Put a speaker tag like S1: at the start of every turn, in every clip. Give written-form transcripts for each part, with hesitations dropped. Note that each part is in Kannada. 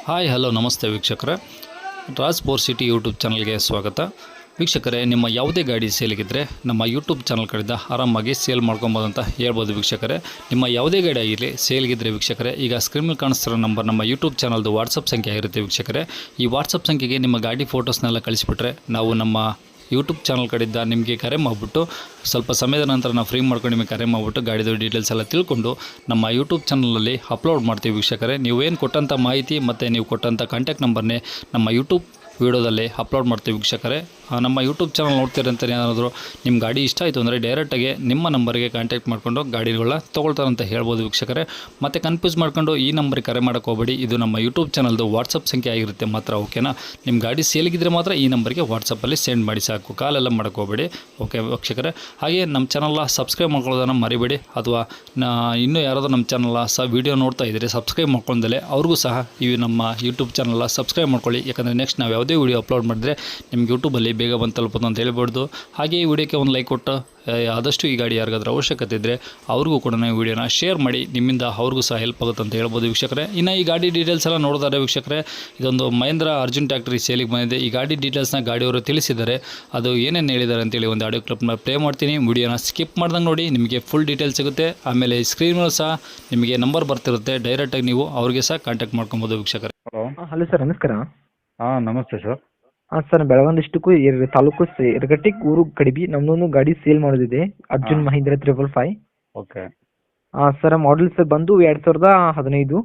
S1: ಹಾಯ್ ಹಲೋ ನಮಸ್ತೆ ವೀಕ್ಷಕರೇ, ರಾಜ್ ಫೋರ್ ಸಿಟಿ ಯೂಟ್ಯೂಬ್ ಚಾನಲ್ಗೆ ಸ್ವಾಗತ. ವೀಕ್ಷಕರೇ, ನಿಮ್ಮ ಯಾವುದೇ ಗಾಡಿ ಸೇಲಿಗಿದ್ದರೆ ನಮ್ಮ ಯೂಟ್ಯೂಬ್ ಚಾನಲ್ ಕಡೆಯಿಂದ ಆರಾಮಾಗಿ ಸೇಲ್ ಮಾಡ್ಕೊಬೋದು ಅಂತ ಹೇಳ್ಬೋದು. ವೀಕ್ಷಕರೇ, ನಿಮ್ಮ ಯಾವುದೇ ಗಾಡಿ ಆಗಿರಲಿ ಸೇಲ್ಗಿದ್ರೆ ವೀಕ್ಷಕರೇ, ಈಗ ಸ್ಕ್ರೀನಲ್ಲಿ ಕಾಣಿಸ್ತಿರೋ ನಂಬರ್ ನಮ್ಮ ಯೂಟ್ಯೂಬ್ ಚಾನಲ್ದು ವಾಟ್ಸಪ್ ಸಂಖ್ಯೆ ಆಗಿರುತ್ತೆ. ವೀಕ್ಷಕರೇ, ಈ ವಾಟ್ಸಪ್ ಸಂಖ್ಯೆಗೆ ನಿಮ್ಮ ಗಾಡಿ ಫೋಟೋಸ್ನೆಲ್ಲ ಕಳಿಸ್ಬಿಟ್ರೆ ನಾವು ನಮ್ಮ ಯೂಟ್ಯೂಬ್ ಚಾನಲ್ ಕಡೆಯಿಂದ ನಿಮಗೆ ಕರೆ ಮಾಡಿಬಿಟ್ಟು ಸ್ವಲ್ಪ ಸಮಯದ ನಂತರ ನಾವು ಫ್ರೀ ಮಾಡ್ಕೊಂಡು ನಿಮಗೆ ಕರೆ ಮಾಡಿಬಿಟ್ಟು ಗಾಡಿದು ಡೀಟೇಲ್ಸ್ ಎಲ್ಲ ತಿಳ್ಕೊಂಡು ನಮ್ಮ ಯೂಟ್ಯೂಬ್ ಚಾನಲಲ್ಲಿ ಅಪ್ಲೋಡ್ ಮಾಡ್ತೀವಿ. ವೀಕ್ಷಕರೇ, ನೀವೇನು ಕೊಟ್ಟಂಥ ಮಾಹಿತಿ ಮತ್ತು ನೀವು ಕೊಟ್ಟಂಥ ಕಾಂಟ್ಯಾಕ್ಟ್ ನಂಬರ್ನೇ ನಮ್ಮ ಯೂಟ್ಯೂಬ್ ವೀಡಿಯೋದಲ್ಲಿ ಅಪ್ಲೋಡ್ ಮಾಡ್ತೀವಿ. ವೀಕ್ಷಕರೇ, ನಮ್ಮ ಯೂಟ್ಯೂಬ್ ಚಾನಲ್ ನೋಡ್ತೀರಂತ ಏನಾದರೂ ನಿಮ್ಮ ಗಾಡಿ ಇಷ್ಟ ಆಯಿತು ಅಂದರೆ ಡೈರೆಕ್ಟಾಗಿ ನಿಮ್ಮ ನಂಬರ್ಗೆ ಕಾಂಟ್ಯಾಕ್ಟ್ ಮಾಡ್ಕೊಂಡು ಗಾಡಿಗಳನ್ನ ತೊಗೊಳ್ತಾರಂತ ಹೇಳ್ಬೋದು. ವೀಕ್ಷಕರೇ, ಮತ್ತು ಕನ್ಫ್ಯೂಸ್ ಮಾಡ್ಕೊಂಡು ಈ ನಂಬರ್ಗೆ ಕರೆ ಮಾಡೋಕ್ಕೆ ಹೋಗಬೇಡಿ. ಇದು ನಮ್ಮ ಯೂಟ್ಯೂಬ್ ಚಾನಲ್ದು ವಾಟ್ಸಪ್ ಸಂಖ್ಯೆ ಆಗಿರುತ್ತೆ ಮಾತ್ರ. ಓಕೆನಾ? ನಿಮ್ಮ ಗಾಡಿ ಸೇಲಿಗಿದ್ರೆ ಮಾತ್ರ ಈ ನಂಬರ್ಗೆ ವಾಟ್ಸಪ್ಪಲ್ಲಿ ಸೆಂಡ್ ಮಾಡಿ ಸಾಕು, ಕಾಲೆಲ್ಲ ಮಾಡೋಕ್ಕೆ ಹೋಗಬೇಡಿ. ಓಕೆ ವೀಕ್ಷಕರೇ, ಹಾಗೆ ನಮ್ಮ ಚಾನಲ್ನ ಸಬ್ಸ್ಕ್ರೈಬ್ ಮಾಡ್ಕೊಳ್ಳೋದನ್ನು ಮರಿಬೇಡಿ. ಅಥವಾ ಇನ್ನೂ ಯಾರಾದರೂ ನಮ್ಮ ಚಾನಲ್ನ ವೀಡಿಯೋ ನೋಡ್ತಾ ಇದ್ದರೆ ಸಬ್ಸ್ಕ್ರೈಬ್ ಮಾಡ್ಕೊಂಡಲೇ ಅವ್ರಿಗೂ ಸಹ ಈ ನಮ್ಮ ಯೂಟ್ಯೂಬ್ ಚಾನಲ್ನ ಸಬ್ಸ್ಕ್ರೈಬ್ ಮಾಡ್ಕೊಳ್ಳಿ. ಯಾಕಂದರೆ ನೆಕ್ಸ್ಟ್ ನಾವು ಯಾವುದೇ ವೀಡಿಯೋ ಅಪ್ಲೋಡ್ ಮಾಡಿದ್ರೆ ನಿಮ್ಗೆ ಯೂಟ್ಯೂಬಲ್ಲಿ ಬೇಗ ಬಂದು ತಲುಪೋದು ಅಂತ ಹೇಳ್ಬೋದು. ಹಾಗೆ ಈ ವಿಡಿಯೋಕ್ಕೆ ಒಂದು ಲೈಕ್ ಕೊಟ್ಟು ಆದಷ್ಟು ಈ ಗಾಡಿ ಯಾರಿಗಾದ್ರೂ ಅವಶ್ಯಕತೆ ಇದ್ದರೆ ಅವ್ರಿಗೂ ಕೂಡ ಈ ವಿಡಿಯೋನ ಶೇರ್ ಮಾಡಿ, ನಿಮ್ಮಿಂದ ಅವ್ರಿಗೂ ಸಹ ಹೆಲ್ಪ್ ಆಗುತ್ತೆ ಅಂತ ಹೇಳ್ಬೋದು. ವೀಕ್ಷಕರೇ, ಇನ್ನು ಈ ಗಾಡಿ ಡೀಟೇಲ್ಸ್ ಎಲ್ಲ ನೋಡಿದರೆ ವೀಕ್ಷಕರೇ, ಇದೊಂದು ಮಹೇಂದ್ರ ಅರ್ಜುನ್ ಟ್ಯಾಕ್ಟ್ರಿ ಸೇಲಿಗೆ ಬಂದಿದೆ. ಈ ಗಾಡಿ ಡೀಟೇಲ್ಸ್ನ ಗಾಡಿಯವರು ತಿಳಿಸಿದ್ದಾರೆ. ಅದು ಏನೇನು ಹೇಳಿದ್ದಾರೆ ಅಂತೇಳಿ ಒಂದು ಆಡಿಯೋ ಕ್ಲಿಪ್ನ ಪ್ಲೇ ಮಾಡ್ತೀನಿ. ವಿಡಿಯೋನ ಸ್ಕಿಪ್ ಮಾಡ್ದಂಗೆ ನೋಡಿ, ನಿಮಗೆ ಫುಲ್ ಡೀಟೇಲ್ಸ್ ಸಿಗುತ್ತೆ. ಆಮೇಲೆ ಸ್ಕ್ರೀನಲ್ಲಿ ಸಹ ನಿಮಗೆ ನಂಬರ್ ಬರ್ತಿರುತ್ತೆ, ಡೈರೆಕ್ಟಾಗಿ ನೀವು ಅವ್ರಿಗೆ ಸಹ ಕಾಂಟ್ಯಾಕ್ಟ್ ಮಾಡ್ಕೊಬೋದು. ವೀಕ್ಷಕರೇ,
S2: ಹಲೋ ಸರ್, ನಮಸ್ಕಾರ.
S3: ನಮಸ್ತೆ sir.
S2: Sir, Belagavi district taluk Yaragatti ಊರು ಕಡಿಬಿ ನಮ್ದೊಂದು ಗಾಡಿ ಸೇಲ್ ಮಾಡೋದಿದೆ. ಅರ್ಜುನ್ ಮಹೀಂದ್ರ 555.
S3: ಓಕೆ.
S2: ಸರ್, ಮಾಡಲ್ ಸರ್ ಬಂದು 2015.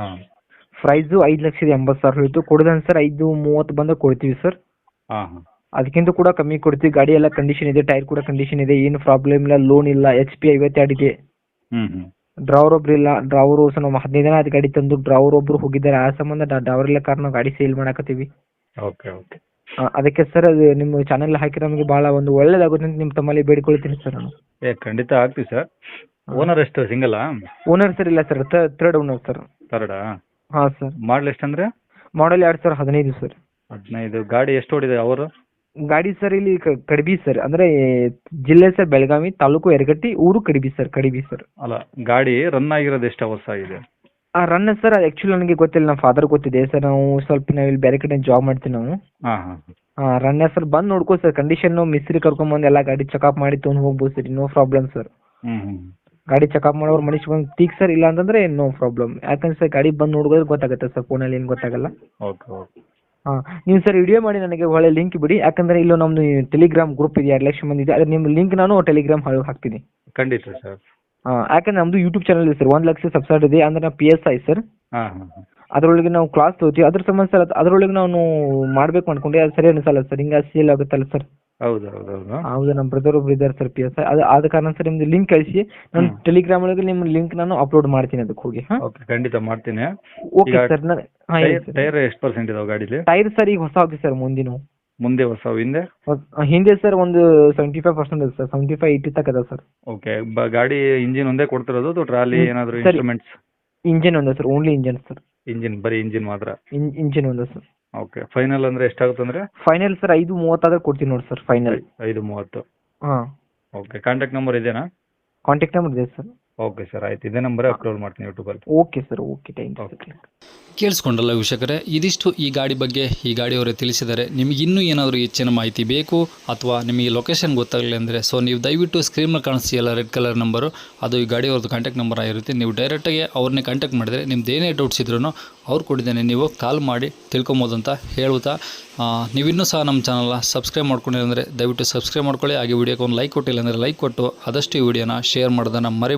S2: ಪ್ರೈಸು 5,80,000 ಹೇಳ್ತು. ಕೊಡೋದನ್ ಸರ್ 5,30 ಬಂದ ಕೊಡ್ತೀವಿ ಸರ್. ಅದಕ್ಕಿಂತ ಕೂಡ ಕಮ್ಮಿ ಕೊಡ್ತೀವಿ. ಗಾಡಿ ಎಲ್ಲ ಕಂಡೀಷನ್ ಇದೆ, ಟೈರ್ ಕೂಡ ಕಂಡೀಷನ್ ಇದೆ, ಏನು ಪ್ರಾಬ್ಲಮ್ ಇಲ್ಲ, ಲೋನ್ ಇಲ್ಲ, HP 52 ಇದೆ. ಡ್ರೈವರ್ ಒಬ್ರು ಇಲ್ಲ. ಡ್ರೈವರು ನಾವು 15 ದಿನ ಅದು ಗಾಡಿ ತಂದು ಡ್ರೈವರ್ ಒಬ್ರು ಹೋಗಿದ್ದಾರೆ. ಆ ಸಂಬಂಧ ಡ್ರೈವರ್ ಇಲ್ಲ ಕಾರಣ ಗಾಡಿ ಸೇಲ್ ಮಾಡಕತ್ತೀವಿ.
S3: Okay okay.
S2: ಅದಕ್ಕೆ ಸರ್, ಅದು ನಿಮ್ಮ ಚಾನೆಲ್ ಹಾಕಿ ನಮಗೆ ಭಾಳ ಒಂದು ಒಳ್ಳೇದಾಗುತ್ತೆ ಅಂತ ನಿಮ್ಮ ತಮ್ಮಲ್ಲಿ ಬೇಡಿಕೊಳ್ತೀನಿ ಸರ್ ನಾನು.
S3: ಖಂಡಿತ ಆಗ್ತೀವಿ ಸರ್. ಓನರ್ ಎಷ್ಟು, ಸಿಂಗಲ್ಲಾ?
S2: ಓನರ್ ಸರ್ ಇಲ್ಲ ಸರ್, ಥರ್ಡ್ ಓನರ್ ಸರ್.
S3: ಥರ್ಡಾ?
S2: ಹಾಂ ಸರ್.
S3: ಮಾಡಲ್ ಎಷ್ಟಂದ್ರೆ?
S2: ಮಾಡಲ್ 2015 ಸರ್.
S3: 15. ಗಾಡಿ ಎಷ್ಟು ಓಡಿದೆ ಅವರು?
S2: ಗಾಡಿ ಸರ್ ಇಲ್ಲಿ ಕಡಿಬಿ ಸರ್, ಅಂದರೆ ಜಿಲ್ಲೆ ಸರ್ ಬೆಳಗಾವಿ, ತಾಲೂಕು ಯರಗಟ್ಟಿ, ಊರು ಕಡಿಬಿ ಸರ್.
S3: ಅಲ್ಲ, ಗಾಡಿ ರನ್ ಆಗಿರೋದು ಎಷ್ಟು ಅವರ್ಸ್ ಆಗಿದೆ?
S2: ರನ್ ಸರ್ ಆ್ಯಕ್ಚುಲಿ ನನಗೆ ಗೊತ್ತಿಲ್ಲ, ನಮ್ಮ ಫಾದರ್ ಗೊತ್ತಿದೆ ಸರ್. ನಾವು ಇಲ್ಲಿ ಬೇರೆ ಕಡೆ ಜಾಬ್ ಮಾಡ್ತೀವಿ ನಾವು. ರನ್ ಸರ್, ಬಂದು ನೋಡ್ಕೋ ಸರ್. ಕಂಡೀಷನ್ನು ಮಿಸ್ತ್ರಿ ಕರ್ಕೊಂಬಂದು ಎಲ್ಲ ಗಾಡಿ ಚೆಕಪ್ ಮಾಡಿ ತೊಗೊಂಡು ಹೋಗ್ಬೋದು ಸರ್. No problem sir. ಗಾಡಿ ಚೆಕಪ್ ಮಾಡೋರು ಮನುಷ್ಯ ಬಂದು ತೀಕ್ ಸರ್, ಇಲ್ಲ ಅಂತಂದ್ರೆ ನೋ ಪ್ರಾಬ್ಲಮ್. ಯಾಕಂದ್ರೆ ಸರ್ ಗಾಡಿ ಬಂದು ನೋಡಿದ್ರೆ ಗೊತ್ತಾಗುತ್ತೆ ಸರ್, ಫೋನಲ್ಲಿ ಏನು ಗೊತ್ತಾಗಲ್ಲ.
S3: Okay okay.
S2: ನೀವು ಸರ್ ವಿಡಿಯೋ ಮಾಡಿ ನನಗೆ ಒಳ್ಳೆ ಲಿಂಕ್ ಬಿಡಿ. ಯಾಕಂದ್ರೆ ಇಲ್ಲೂ ನಮ್ದು ಟೆಲಿಗ್ರಾಮ್ ಗ್ರೂಪ್ ಇದೆ, 2 ಲಕ್ಷ ಮಂದಿ ಇದೆ. ಅದ್ರ ನಿಮ್ಮ ಲಿಂಕ್ ನಾನು ಟೆಲಿಗ್ರಾಮ್ ಹಾಕ್ತೀನಿ.
S3: ಖಂಡಿತ ಸರ್.
S2: ಯಾಕಂದ್ರೆ ನಮ್ದು ಯೂಟ್ಯೂಬ್ ಚಾನಲ್ ಇದೆ ಸರ್, 1 ಲಕ್ಷ ಸಬ್ಸ್ಕ್ರೈಬರ್ ಇದೆ. ಅಂದ್ರೆ ನಾವು PSI ಸರ್. ಅದರೊಳಗೆ ನಾವು ಕ್ಲಾಸ್ ತಗೋತೀವಿ. ಅದ್ರ ಸಂಬಂಧ ಸರ್ ಅದರೊಳಗೆ ನಾನು ಮಾಡ್ಬೇಕು ಅನ್ಕೊಂಡೆ, ಅದು ಸರಿ ಅನಿಸಲ್ಲ ಸರ್. ಹಿಂಗೆ ಸೇಲ್ ಆಗುತ್ತಲ್ಲ ಸರ್.
S3: ಹೌದು,
S2: ನಮ್ಮ ಬ್ರದರ್ ಒಬ್ರು ಇದ್ದಾರೆ ಸರ್, PSI. ಆದ ಕಾರಣ ಸರ್ ನಿಮ್ದು ಲಿಂಕ್ ಕಳಿಸಿ, ನಾನು ಟೆಲಿಗ್ರಾಮ್ ಒಳಗೆ ನಿಮ್ಮ ಲಿಂಕ್ ನಾನು ಅಪ್ಲೋಡ್ ಮಾಡ್ತೀನಿ ಅದಕ್ಕೆ ಹೋಗಿ.
S3: ಓಕೆ, ಖಂಡಿತ ಮಾಡ್ತೀನಿ.
S2: Okay sir.
S3: ಟೈರ್ ಎಷ್ಟು ಪರ್ಸೆಂಟ್ ಇದಾವೆ ಗಾಡೀಲಿ?
S2: ಟೈರ್ ಸರ್ ಈಗ ಹೊಸ ಹೋಗಿ ಸರ್,
S3: ಮುಂದೆ ಹೊಸ,
S2: ಹಿಂದೆ ಸರ್ ಒಂದು 75% ಇದೆ ಸರ್. 75-80 ತನಕ ಇದೆ ಸರ್.
S3: ಓಕೆ. ಗಾಡಿ ಇಂಜಿನ್ ಒಂದೇ ಕೊಡ್ತಿರೋದು ಅಥವಾ ಟ್ರಾಲಿ ಏನಾದರೂ ಇನ್ಸ್ಟ್ರೂಮೆಂಟ್ಸ್?
S2: ಇಂಜಿನ್ ಒಂದೇ ಸರ್, ಓನ್ಲಿ ಇಂಜಿನ್ ಸರ್.
S3: ಬರೀ ಇಂಜಿನ್ ಮಾತ್ರ?
S2: ಇಂಜಿನ್ ಒಂದೇ ಸರ್.
S3: ಓಕೆ. ಫೈನಲ್ ಅಂದ್ರೆ ಎಷ್ಟಾಗುತ್ತೆ ಅಂದ್ರೆ?
S2: ಫೈನಲ್ ಸರ್ 5,30 ಆದ್ರೆ ಕೊಡ್ತೀನಿ ನೋಡಿ ಸರ್, ಫೈನಲ್.
S3: 5,30.
S2: ಹಾಂ.
S3: ಓಕೆ. ಕಾಂಟ್ಯಾಕ್ಟ್ ನಂಬರ್ ಇದೆಯಾ?
S2: ಕಾಂಟ್ಯಾಕ್ಟ್ ನಂಬರ್ ಇದೆ ಸರ್.
S3: ಓಕೆ ಸರ್, ಆಯ್ತು. ಇದೇ ನಂಬರೇ ಅಪ್ಲೋಡ್ ಮಾಡ್ತೀನಿ ಯೂಟ್ಯೂಬಲ್ಲಿ.
S2: Okay sir, okay, thank you.
S1: ಕೇಳಿಸ್ಕೊಂಡಲ್ಲ ವೀಕ್ಷಕರೇ, ಇದಿಷ್ಟು ಈ ಗಾಡಿ ಬಗ್ಗೆ ಈ ಗಾಡಿಯವರೇ ತಿಳಿಸಿದ್ದಾರೆ. ನಿಮಗೆ ಇನ್ನೂ ಏನಾದರೂ ಹೆಚ್ಚಿನ ಮಾಹಿತಿ ಬೇಕು ಅಥವಾ ನಿಮಗೆ ಲೊಕೇಶನ್ ಗೊತ್ತಾಗಲಿ ಅಂದರೆ ನೀವು ದಯವಿಟ್ಟು ಸ್ಕ್ರೀನಲ್ಲಿ ಕಾಣಿಸ್ತೀಯಲ್ಲ ರೆಡ್ ಕಲರ್ ನಂಬರು, ಅದು ಈ ಗಾಡಿಯವ್ರದ್ದು ಕಾಂಟ್ಯಾಕ್ಟ್ ನಂಬರ್ ಆಗಿರುತ್ತೆ. ನೀವು ಡೈರೆಕ್ಟಾಗಿ ಅವ್ರನ್ನೇ ಕಾಂಟ್ಯಾಕ್ಟ್ ಮಾಡಿದರೆ ನಿಮ್ದು ಏನೇ ಡೌಟ್ಸ್ ಇದ್ರೂ ಅವ್ರು ಕೊಟ್ಟಿದ್ದೇನೆ, ನೀವು ಕಾಲ್ ಮಾಡಿ ತಿಳ್ಕೊಬೋದು ಅಂತ ಹೇಳುತ್ತಾ, ನೀವಿನ್ನೂ ಸಹ ನಮ್ಮ ಚಾನಲ್ನ ಸಬ್ಸ್ಕ್ರೈಬ್ ಮಾಡ್ಕೊಂಡಿಲ್ಲ ಅಂದರೆ ದಯವಿಟ್ಟು ಸಬ್ಸ್ಕ್ರೈಬ್ ಮಾಡ್ಕೊಳ್ಳಿ. ಹಾಗೆ ವಿಡಿಯೋಕ್ಕೆ ಒಂದು ಲೈಕ್ ಕೊಟ್ಟಿಲ್ಲ ಅಂದರೆ ಲೈಕ್ ಕೊಟ್ಟು ಆದಷ್ಟು ಈ ವಿಡಿಯೋನ ಶೇರ್ ಮಾಡೋದನ್ನು